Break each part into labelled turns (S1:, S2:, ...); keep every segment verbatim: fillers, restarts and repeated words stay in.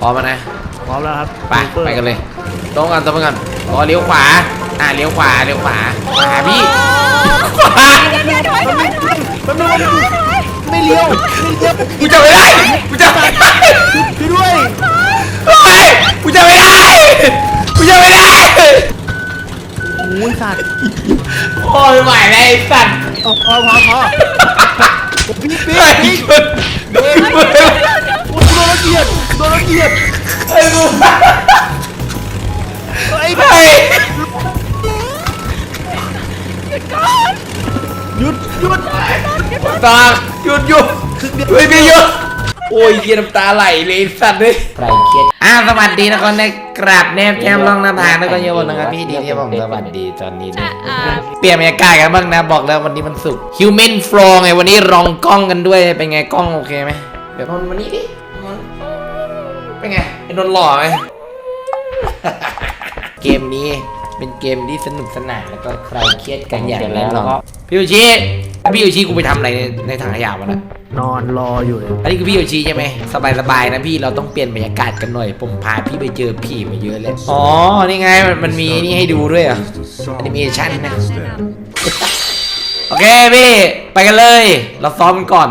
S1: พร้อมนะ
S2: พร้อมแล้วครับ
S1: ไปไปกันเลยตรงกันตรงกันรอเลี้ยวขวาอ่าเลี้ยวขวาเลี้ยวขวาขวาพี่
S2: ไม่เลี้ยว
S1: กูจะไม่ได้กูจะไม่ได้
S2: ช่วยด้วย
S1: เฮ้ยกูจะไม่ได้กูจะไม่ได้
S2: โอ้ยสัตว์
S1: โอ้ยไหวเลยสัตว์
S2: พอพอพอพี่พี่พี่โดนระเกียดโดนระเกียด
S1: ไอ้กู
S2: ไอ้
S1: ไอ้
S2: หยุดหยุด
S1: ตาหยุดหยุดเฮ้ยพี่หยุดโอ้ยเยียน้ำตาไหลเลยสัตว์เลยใครเครียดอ่าสวัสดีนะคนในกราบแนบแก้มลองน้ำทางแล้วก็เยอะวันนะครับพี่ดีที่ผมสวัสดีตอนนี้นะเปลี่ยนบรรยากาศกันบ้างนะบอกแล้ววันนี้มันสุก Human Flow ไงวันนี้ลองกล้องกันด้วยเป็นไงกล้องโอเคไหมเดี๋ยววันนี้ดิเป็นไงไอ้นนหล่อไหมเกมนี้เป็นเกมที่สนุกสนานแล้วก็ใครเครียดกันอย่างแน่นอนพี่โยชิพี่โยชิกูไปทำอะไรในในถังขยะวะนะ
S2: นอนรออยู่เลย
S1: อันนี้คือพี่โยชิใช่ไหมสบายสบายนะพี่เราต้องเปลี่ยนบรรยากาศกันหน่อยผมพาพี่ไปเจอผีมาเยอะเลยอ๋อนี่ไงมันมันมีนี่ให้ดูด้วยอ่ะแอนิเมชันนะโอเคพี่ไปกันเลยเราซ้อมกันก่อน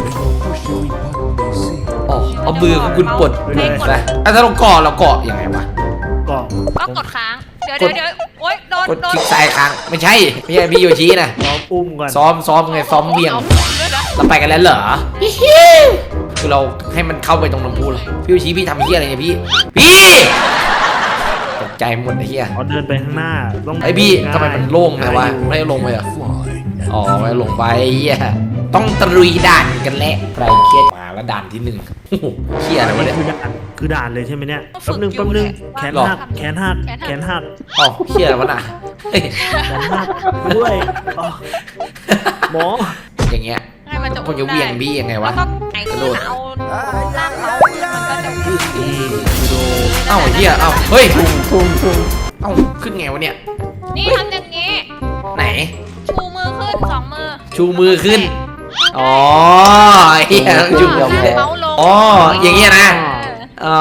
S1: อ๋อเอามือคุณปลดเลยนะถ้าเราเกาะเราเกาะยังไงวะ
S2: เกาะ
S3: ก็กดค้างเดี๋ยวเดี๋ยวเดี๋ยวโอ๊ยโดน
S1: กดคลิกซ้ายค้างไม่ใช่ไม่ใช่พี่โยชินะ
S2: ซ้อมอุ้มก่อน
S1: ซ้อมซ้อมไงซ้อมเบี่ยงเราไปกันแล้วเหรอคือเราให้มันเข้าไปตรงน้ำพุเลยพี่โยชิพี่ทำเฮี้ยอะไรเนี่ยพี่พี่ตกใจหมดไอ้เฮี้ย
S2: เขาเดินไปข้างหน้าต้อง
S1: ไอ้พี่ทำไมมันโล่งเลยวะไม่ได้ลงไปเหรออ๋อไม่ลงไปเฮี้ยต้องตรุยด่านกันแหละใครเครียดมาแล้วด่านที่หนึ่งเฮี้ยอะไรวะเนี่ย
S2: คือด่านคือด่านเลยใช่ไหมเนี่ยแป๊บนึงแป๊บนึงแขนหักแขนหักแขนหัก
S1: อ๋อเฮี้ยอะไรวะน่ะ
S2: แขนหักด้วยหมอ
S1: อย่างเงี้ยคนจะเวียงบี้ยังไงวะ
S3: กระโดดเอาล่างเขามันก็จะ
S1: เอ้าเฮี้ยเอ้าเฮ้ยเอ้าขึ้นไงวะเนี่ย
S3: นี่ทำอย่างงี้
S1: ไหน
S3: ชูมือขึ้นสองมือ
S1: ชูมือขึ้นอ๋อเฮียชูมือขึ้นอ๋ออย่างเงี้ยนะอ๋อ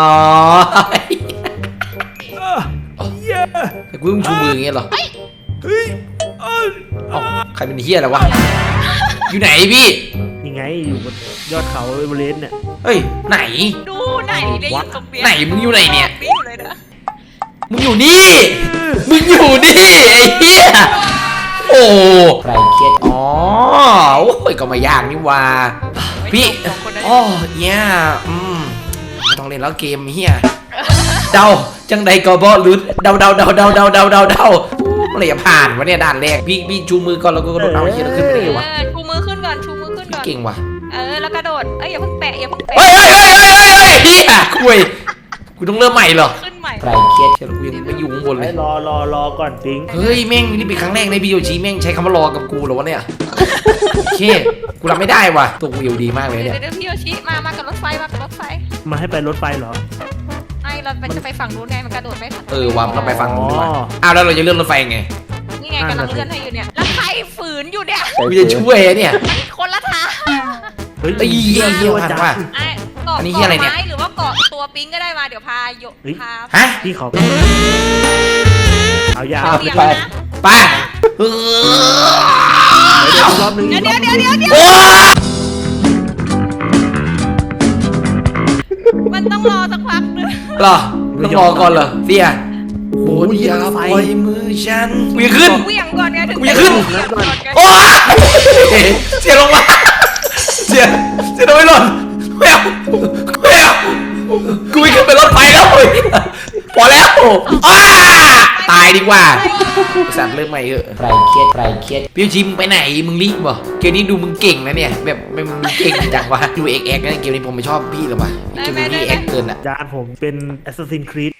S1: แต่กูต้องชูมืออย่างเงี้ยเหรอเฮ้ยเอ้าใครเป็นเฮียอะไรวะอยู่ไหนพี่
S2: ยังไงอยู่บนยอดเขาเอเวอเรสต์เนี่ย
S1: เฮ้ยไหน
S3: ดูไหนได้ยินตรงเนี้ย
S1: ไหนมึงอยู่ไหนเนี่ยมึงอยู่
S3: นี่
S1: มึงอยู่นี่ไอ้เฮียโอ้ใครเครียดอ๋อโอ้ยก็ไม่ยากนี่ว่าพี่อ๋อเนี่ยอืมไม่ต้องเล่นแล้วเกมเฮียเดาจังใดก็บอลุ้นเดาเดาเดาเดาเดาเดาเดาเดาอะไรจะผ่านวะเนี่ยด่านแรกพี่พี่ชูมือก่อนแล้วก็กระโดดเอาเฮียเราขึ้นไปได้วะ
S3: ชูมือขึ้นก่อนชูมือขึ้นก่อน
S1: เก่งว่ะ
S3: เออแล้วกระโดดเอ้ยอย่าเพิ่งแปะอย่าเพิ่งแปะ
S1: เฮ้ยเฮ้ยเฮ้ยเฮ้ยเฮ้ยเฮียคุยกูต้องเริ่มใหม่เหรอ
S3: ขึ้นใหม่
S1: ใครเครียดเชียวกูยังไม่อยู่ข้างบนเลย
S2: รอรอรอก่อนปิ๊ง
S1: เฮ้ยแม่งนี่เป็นครั้งแรกในพี่โยชิแม่งใช้คำว่ารอกับกูเหรอวะเนี่ยโอเคกูรับไม่ได้ว่ะตัวกูอยู่ดีมากเลยเนี่ย
S3: เดี๋ยวพี่โยชิมามากับรถไฟมากับรถไฟ
S2: มาให้ไปรถไฟเหรอ
S3: ไอเราจะไปฝั่งนู้นไงมันกระโดดไม่ทัน
S1: เออวางเราไปฝั่งนู้นดีกว่าอ้าวแล้วเราจะเลื่อนรถไฟไง
S3: นี่ไงกำลังเลื่อนให้อยู่เนี่ยแล้วใครฝืนอยู่เนี่ย
S1: กูจะช่วยเนี่ย
S3: คนละทาง
S1: เฮ้ยเยี่ยเยี่ยผ่านว่ะ
S3: อันนี้อะไรเนี่ยหรือว่าเกาะตัวปิ๊งก็ได้มาเดี๋ยวพาโยพา
S1: ฮะ
S2: พี่ขอเอายา
S1: ไปไป
S2: เดี๋ยวรอบนึง
S3: เดี๋ยวเดี๋ยวเดี๋ยวเดี๋ยวเดี๋ยวมันต้องรอสักพักนึง
S1: หรอต้องรอก่อนเหรอเสียโอ้ยอย่าปล่อยมือฉันกูจะขึ้น
S3: กูยังก่อนไงถึง
S1: กูจะขึ้นโอ้เสียลงมาเสียเสียโดนหล่นไม่เอาไม่เอากูไม่ขึ้นไปรถไฟแล้วพอแล้วอ้าตายดีกว่าสัตว์เริ่มใหม่เออใครเครียดใครเครียดพี่ชิมไปไหนมึงรีบบ่เกมนี้ดูมึงเก่งนะเนี่ยแบบมึงเก่งจังวะดูเอ็กเอ็กนะเกมนี้ผมไม่ชอบพี่หรอวะเกมนี้เอ็กเกินอ่ะ
S2: จานผมเป็น Assassin's Creed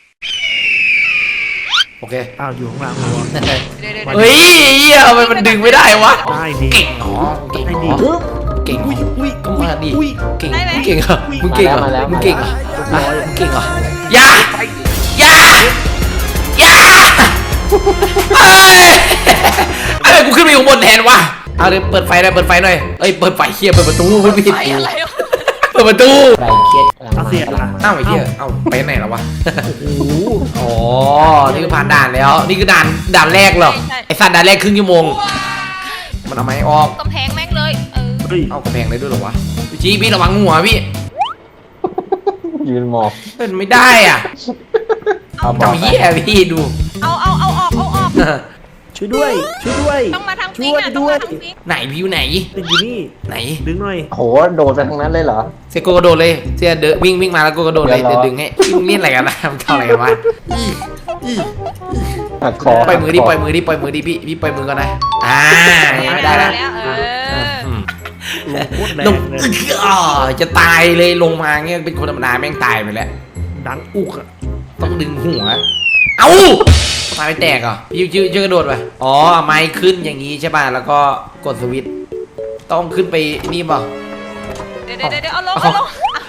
S1: โอเค
S2: อ้าวอยู่ข้างล่าง
S1: เฮ้ยเหี้ยทำไมมันดึงไม่ได้วะ
S2: ได้ดิ
S1: เก่งหรอเก่งหรอเก่งอุ้ยก็มาดิเก่งเก่งเหรอมึงเก่งเหรอมึงเก่งเหรอมึงเก่งเหรออย่าอย่าอย่าเฮ้ยอะไรกูขึ้นไปอยู่บนแทนวะเอาเลยเปิดไฟหน่อยเปิดไฟหน่อยเอ้ยเปิดไฟเคียบเปิดประตูเปิดปิดเปิปิดประตู
S4: ใครเครียด
S2: เอาเสียงอะ
S1: เอ้าไอ้เหี้ยเอ้าไปไหนแล้ววะ
S2: โอ้โห
S1: อ๋อนี่คือผ่านด่านแล้ว นี่คือด่านด่านแรกเหรอไอสัตว์ด่านแรกครึ่งชั่วโมงมันเอาไม้ออก
S3: กำแพงแม่งเลยเออ
S2: เฮ้ย
S1: เอากระแพงได้ด้วยเหรอวะพี่ชี้พี่ระวังหัวพี่
S4: ยืนมอง
S1: เป็นไม่ได้อ่ะ
S4: เอาบอก
S1: ทำเหี้ยพี่ดู
S3: เอาเอาเอาออกเอาออก
S2: ช่วยด้วยช่วยด้วย
S3: ต้องมาทาง
S2: ช่
S3: ฟิง
S2: วย
S3: อ่ะต้อง
S2: ด้วย
S3: มาทางฟิง
S1: ไหนพี่อยู่ไหน
S2: ติดอยู่นี่
S1: ไหน
S2: ดึงหน่อย
S4: โหโดดไปทางนั้นเลยเหรอ
S1: เซโกกระโดดเลยเสียเดินวิ่งวิ่งมาแล้วกูกระโดดเลย
S4: เดี๋
S1: เดี๋
S4: ย
S1: ยว ว
S4: รอ
S1: ดึงให้พี่มึงเล่นอะไรกันนะมึงทำอะไรกันวะอี้อี้
S4: หักคอ
S1: ปล่อยมือดิปล่อยมือดิปล่อยมือดิพี่พี่ปล่อยมือก่อนนะอ่ายังไม่ได้ละ
S3: แล้วเออ
S1: อืม
S2: ลงโคตรแร
S1: ลง
S2: งเลย
S1: อ๋อจะตายเลยลงมาเงี้ยเป็นคนธรรมดาแม่งตายไปแล้ว
S2: ดังอุกอะ
S1: ต้องดึงหัว เอ้าตายไม่แตกเหรอพี่ชื่อชื่อกระโดดไปอ๋อเอาไม้ขึ้นอย่างนี้ใช่ป่ะแล้วก็กดสวิตช์ต้องขึ้นไปนี่ป่ะ
S3: เดี๋ยวเดี๋ยวเดี๋ยวเอาลงเอาลง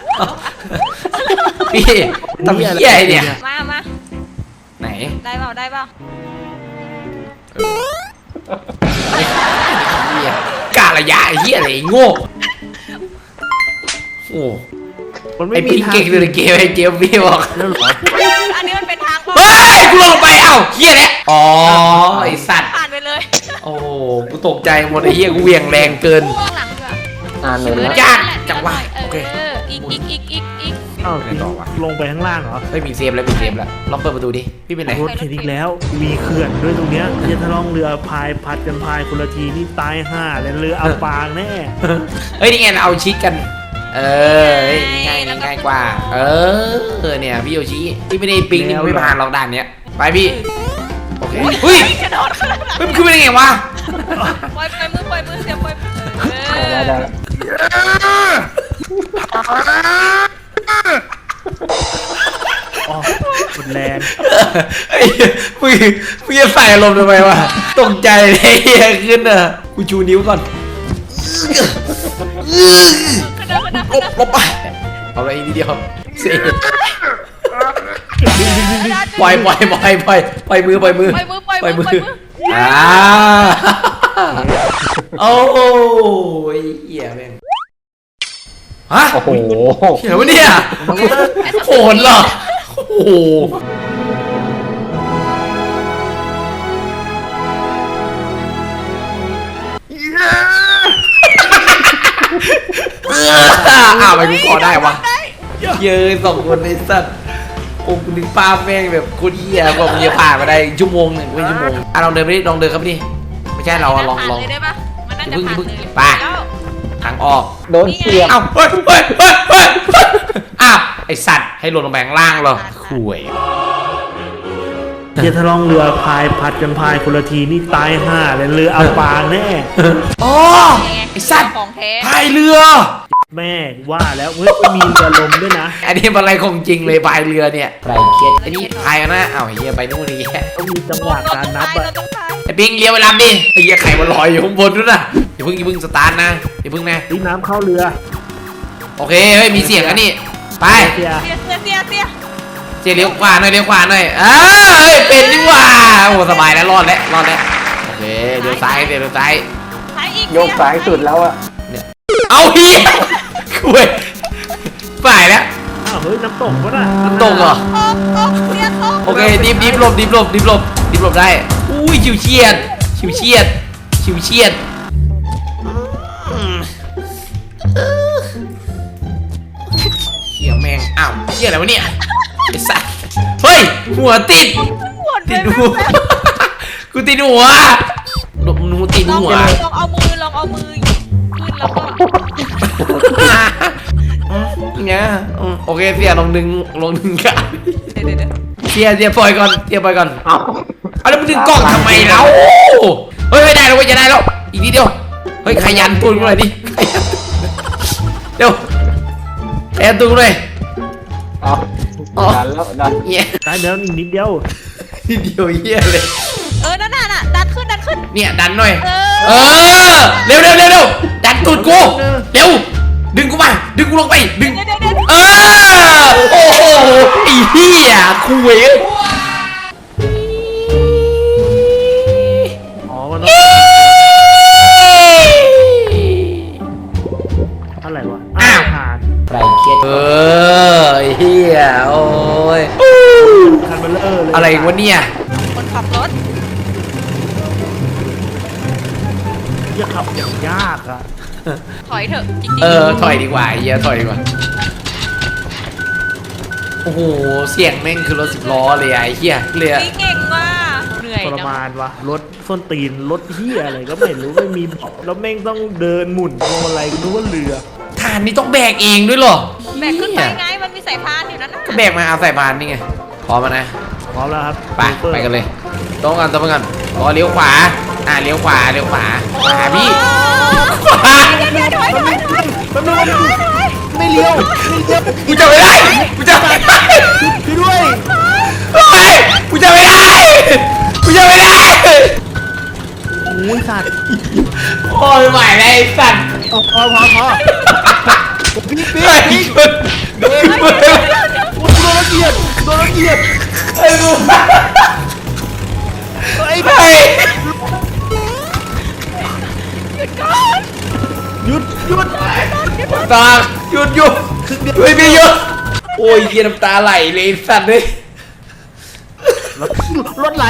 S1: พี่ทำเหี้ยอะไรเนี่ย
S3: มามา
S1: ไหน
S3: ได้เปล่าได้เปล่า
S1: เหี้ยกาละยะไอ้เหี้ยอะไรไอ้โง่โอ้
S2: มัน
S1: ไอ้
S2: ไม่มี
S1: พี่
S2: ทาง
S1: เก่งเลยเกมไอ้เจมพี่บอก
S2: แล้วเหรอ
S3: อันนี้มันเป็นทาง
S1: เฮ้ยกูลงไปเอ้าเหี้ยเนี่ยอ๋อไอ้สัตว์
S3: ผ่านไปเลย
S1: โอ้กูตกใจหมดไอ้เหี้ยกูเหวี่ยงแรงเกิน
S3: ข้างหลังด้วย
S4: อ่านเลย
S1: มือ
S4: นะ
S1: จ้าจังหวะ
S3: เอ
S1: โอเค
S3: ออีกอีกอีกอีกอีก
S2: อ้าว
S1: ไปไหนต่อวะ
S2: ลงไปข้างล่างเหรอ
S1: เฮ้ยมีเซฟแล้วมีเซฟแล้วลองเปิดประตูดิพี่เป็นไร
S2: รถเข็นอีกแล้ว มีเขื่อนด้วยตรงเนี้ยจะทะล่องเรือพายผัดกันพายคนละทีนี่ตายห่าเลยเรืออับปางแน่
S1: เฮ้ยนี่ไงเอาชิดกัน เออเฮ้ยง่ายง่ายกว่า เออเนี่ยพี่โยชิพี่ไม่ได้ปิ๊งนี่ไม่ผ่านหรอกด่านเนี้ยไปพี่โอเคเฮ้ย
S3: กระโดดขนาดนั้น
S1: เฮ้ยมันขึ้นไปได้ไงวะ
S3: ปล่อยปล่อยมือปล่อยมือเสียปล่อยมือเอ
S4: ได้
S3: อ
S4: ได้
S2: อ๋อหมดแรง
S1: ไอ้เหี้ยมึงมึงจะใส่อารมณ์ทำไมวะตกใจเลยเฮียขึ้นอ่ะกูชูนิ้วก่อน
S3: กระโดดกระโดด
S1: ลบลบไปเอาอะไรอีกนิดเดียวเสียปล่อยปล่อยปล่อยปล่อยปล่อยมือปล่อยมือ
S3: ปล่อยมือปล่อยมือปล่อยมือ
S1: อ่าโอ้ยเหี้ยแม่งฮะ
S4: โอ้โห
S1: เหี้ยวะเนี่ยโหดเหรอโอ้โหอ้าวไปกูขอได้วะเยอะสองคนในสัตว์โอ้กูนึกป้าแม่งแบบโคตรเหี้ยกว่ามึงจะผ่านมาได้ชั่วโมงหนึ่งไม่ชั่วโมงอ่ะลองเดินไปดิลองเดินครับดิไม่ใช่เราอะลองลอง
S3: ผ่านเลยได้ปะมันน่าจะผ่านเลย
S1: ไป
S3: แล้ว
S1: ทางออก
S4: โดนเสียบ
S1: อ้าวเฮ้ยเฮ้ยเฮ้ยเฮ้ยอ้าวไอสัตว์ให้หล่นลงไปข้างล่างเหรอข่วย
S2: จะทะล่องเรือพายผัดกันพายคนละทีนี่ตายห่าเลยเรืออับปางแน่
S1: อ๋อไอสัตว์
S3: ของแท้
S1: พายเรือ
S2: แม่ว่าแล้วเฮ้ยไม่มีเรือลมด้วยนะ
S1: อันนี้อะไรของจริงเลยพายเรือเนี่ย
S4: ใครเครียด
S1: อันนี้พายกันนะอ้าวเฮียไปนู่นนี่
S2: ต้องมีจังหวะการนับ
S3: เรา
S2: อะ
S3: ต้องตาย
S1: ไอปิงเลี้ยวไปลำดิไอเฮียไข่มันลอยอยู่ข้างบนนู่นน่ะอย่าเพิ่งอย่าเพิ่งสตาร์ทนะอย่าเพิ่งนะ
S2: นี่น้ำเข้าเรือ
S1: โอเคเฮ้ยมีเสียงอันนี้ไป
S2: เสีย
S3: เสียเสียเสียเสีย
S1: เจ๊เลี้ยวขวาหน่อยเลี้ยวขวาหน่อยอ้าเฮ้ยเป็นนี่หว่าโอ้สบายแล้วรอดแล้วรอดแล้วโอเคเดี๋ยวซ้ายเดี๋ยวซ้าย
S3: หายอีก
S4: โยกซ้ายสุดแล้วอะ
S1: เอาเฮียคุยฝ่ายแล้ว
S2: อ้าวเฮ้ยน้ำตกวะน่ะ
S1: น้ำตกเหรอ
S3: ตกตกเสียตก
S1: โอเคดิฟดิฟหลบดิฟหลบดิฟหลบดิฟหลบได้อุ้ยชิวเฉียดชิวเฉียดชิวเฉียดอืมเฮียแมงอ้าวเฮียอะไรวะเนี่ยไอ้สัสเฮ้ยหัวติด
S3: ปวด
S1: ติด
S3: ไป
S1: หัวกูติดหัวหลบหนูติด
S3: ลอง
S1: หัว
S3: ลองเอามือลองเอามือขึ้นแล้วก็
S1: เนี่ยอืมโอเคเสียลงดึงลงดึงกัน
S3: เดี๋ยวเดี๋ยวเดี๋ยว
S1: เสียเสียปล่อยก่อนเสียปล่อยก่อน
S4: เอา
S1: เอาแล้วมึงดึงกล้องทำไมแล้วเฮ้ยไม่ได้แล้วเว้ยจะได้แล้วอีกนิดเดียวเฮ้ยขยันตูนกูหน่อยดิขยันเร็วขยันตูนกูหน่อย
S4: เอาดันแล้วดัน
S1: เหี้ย
S2: ตายแล้วอีกนิดเดียว
S1: นิดเดียวเหี้ยเลย
S3: เออนั่นน่ะน่ะดันขึ้นดันขึ้น
S1: เนี่ยดันหน่อย
S3: เอ
S1: เอ
S3: อ
S1: อเร็วเร็วเร็วเร็วดันตูดกูเร็วดึงกูมาดึงกูลงไปดึง
S3: เดี๋ยวเดี๋ยวเดี๋ยว
S1: เออโอ้โหไอ้เหี้ยคุย
S2: อ๋อมันต้องอะไรวะอ้าวผ่าน
S4: ใคร
S1: ว้ย
S2: คันเบลเลอร์เลย
S1: อะไรวะเนี่ย
S3: คนขับรถ
S2: จะขับอย่างยากอะ
S3: ถอยเถอะจริงๆ
S1: เออถอยดีกว่าไอ้เหี้ยถอยดีกว่าโอ้โหเสียงแม่งคือรถสิบล้อเลยอะไอ้เหี้ยเลยอะ
S3: พี่เก่งว่ะเหนื่อย
S2: ทร
S3: จัง
S2: มานวะรถส้นตีนรถเฮียอะไรก็ไม่รู้ไม่มีเบาะแล้วแม่งต้องเดินหมุนพวงมาลัยนึกว่าเรือ
S1: ฐานนี้ต้องแบกเองด้วยเหรอ
S3: แบกขึ้นไป
S1: เหี้ย
S3: ไงมันมีสายพานอยู่นั่นน่ะ
S1: ก็แบกมาเอาใส่บานนี่ไงพร้อมแล้วนะ
S2: พร้อมแล้วครับ
S1: ไปไปกันเลยตรงกันตรงกันรอเลี้ยวขวาอ่าเลี้ยวขวาเลี้ยวขวาขวาพี่ขวา
S3: เดี๋ยวเดี๋ยวถอยถอยถอย
S2: มันไม่ไม่เลี้ยวไม่เลี้ยว
S1: กูจะไม่ได้กูจะไม่ได้
S2: พี่ด้วย
S1: เฮ้ยกูจะไม่ได้กูจะไม่ได้
S2: โอ้ยสัตว์
S1: โอ้ยไหวเลยไอ้สัตว์
S2: พอพอพอพอพี่พี่
S1: ไอ้
S2: พี่
S1: คน
S2: โอ้ยโดนละเอียดโดนละเอียด
S1: ไอ้กู
S2: ไอ้
S1: ไอ้
S2: หยุดหยุด
S1: ตาหยุดหยุดช่วยพี่หยุดโอ้ยเยียน้ำตาไหลเลยสัตว์เลย
S2: รถรถไหล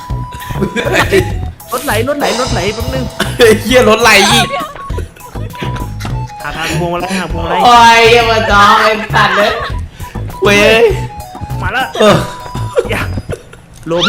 S2: รถไหลรถไหลรถไหลแป๊บนึง
S1: เยียรถไหลอีก
S2: หาทางพวงมาลัยหาพวงมาลัย
S1: โอ้ยอย่ามาจ้องไอ้สัตว์เลยเว้ย
S2: มาแล้ว
S1: เออ
S2: อย่าโลเพ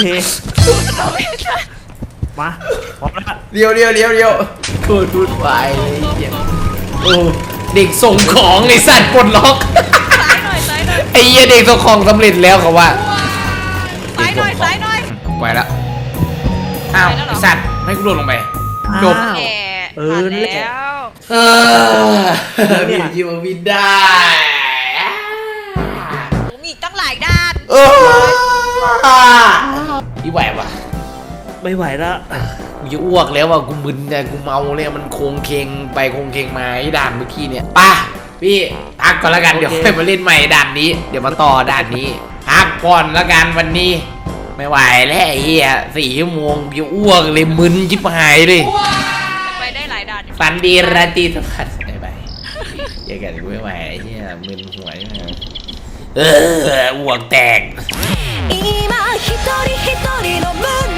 S2: มาพร้อมแล้ว
S1: เลี้ยวเลี้ยวเลี้ยวเลี้ยวพูดพูดไปเลยเหี้ยโอ้เด็กส่งของไอ้สัตว์ปลดล็อก
S3: ซ้ายหน่อยซ้ายหน่อย
S1: ไอ้เหี้ยเด็กส่งของสำเร็จแล้วเขาว่า
S3: ซ้ายหน่อยซ้ายหน่อย
S1: ไปแล้วอ้าวไอ้สัตว์ไม่กูโดดลงไปจบ
S2: อ้าว
S3: แหม
S2: เอ
S3: ผ่า
S2: อน นั่นแหละ
S3: แล้ว
S1: เออบินยิวบินได้
S3: โอ้มีอีกตั้งหลายด้าน
S1: เออพี่ไหวปะ
S2: ไม่ไหวแล้ว
S1: กูจะอ้วกแล้วว่ะกูมึนเนี่ยกูเมาเลยมันโคงเคงไปโคงเคงมาไอ้ด่านเมื่อกี้เนี่ยป่ะพี่พักก่อนละกันเดี๋ยวค่อยมาเล่นใหม่ด่านนี้เดี๋ยวมาต่อด่านนี้พักก่อนละกันวันนี้ ไม่ไหวแล้วไอ้เหี้ยสี่ชั่วโมงกูจะอ้วกเลยมึนชิบหายเลย
S3: ไปได้หลายด้านอยู่
S1: ฝันดีราตรีสวัสดิ์บายบายอย่ากันกูไม่ไหวไอ้เหี้ยมึนหัวใช่ไหมเอออ้วกแตก
S5: 今一人一人の胸